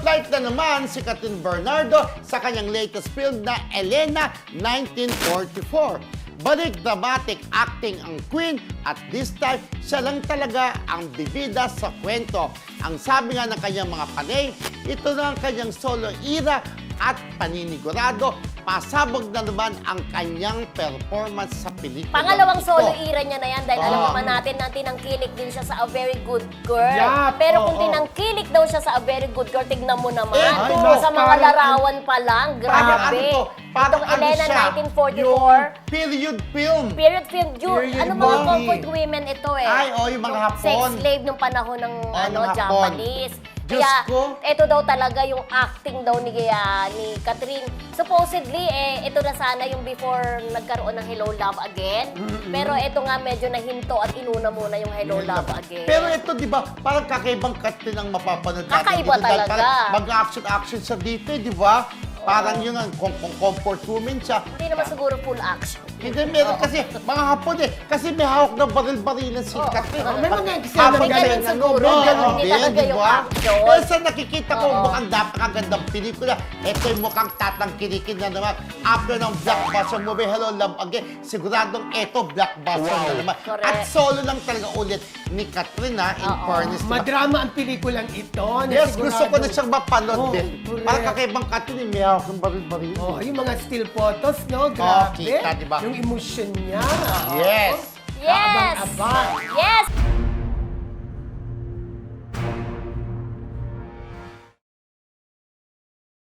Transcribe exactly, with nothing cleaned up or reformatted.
Spotlight na naman si Catherine Bernardo sa kanyang latest film na Elena nineteen forty-four. Balik dramatic acting ang Queen at this time, siya lang talaga ang bibida sa kwento. Ang sabi nga ng kanyang mga panay, ito na ang kanyang solo era at paninigurado, pasabog na naman ang kanyang performance sa pelikula. Pangalawang ito. solo era niya na yan dahil alam Oo. naman natin na tinangkilik din siya sa A Very Good Girl. Yeah, Pero kung oo. tinangkilik daw siya sa A Very Good Girl, tignan mo naman. Eh, no, sa mga parang- larawan pa lang, Parang ano grabe. to? Parang Itong ano Elena siya? nineteen forty-four. Yung period film. Period film, Ju, Period ano mga movie. comfort women ito eh. Ay, oh, yung mga Hapon. Sex slave nung panahon ng Oh, ano, ng Hapon. Japanese. Diyos Kaya, ko. ito daw talaga yung acting daw ni, ah, ni Catherine. Supposedly, eh, ito na sana yung before nagkaroon ng Hello Love Again. Pero ito nga medyo nahinto at inuna muna yung Hello Love Again. Pero ito, di ba, parang kakaibang Catherine ang mapapanood natin. Kakaiba dito dahil talaga. parang mag-action-action siya dito, eh, di ba? Parang yun ang kung, kung comfort woman siya. Hindi naman siguro full action. Hindi, meron kasi mga Hapon eh. Kasi may hawak na baril-barilan si Oo. Catherine. Oh, may Pag- mga eksena habang May magaling, ganun ganun, siguro, may ganun hindi din, talaga di yung ba? action. Pero sa nakikita ko, Oo. mukhang napakagandang pelikula. Ito yung mukhang tatangkilikin na naman. After ng blockbuster movie, Hello Love Again, siguradong ito blockbuster na naman. Correct. At solo lang talaga ulit ni Catherine, ha, in Oo. fairness. di ba? Madrama ang pelikulang ito. na Yes, sigurado- gusto ko na siyang mapanood Oh, din. correct. Parang kakaibang Catherine, may hawak ng baril-baril. Oh, yung mga still photos, no? Grabe. kita, diba? Yung emotion niya. Yes! Yes! Abang-abang. Yes!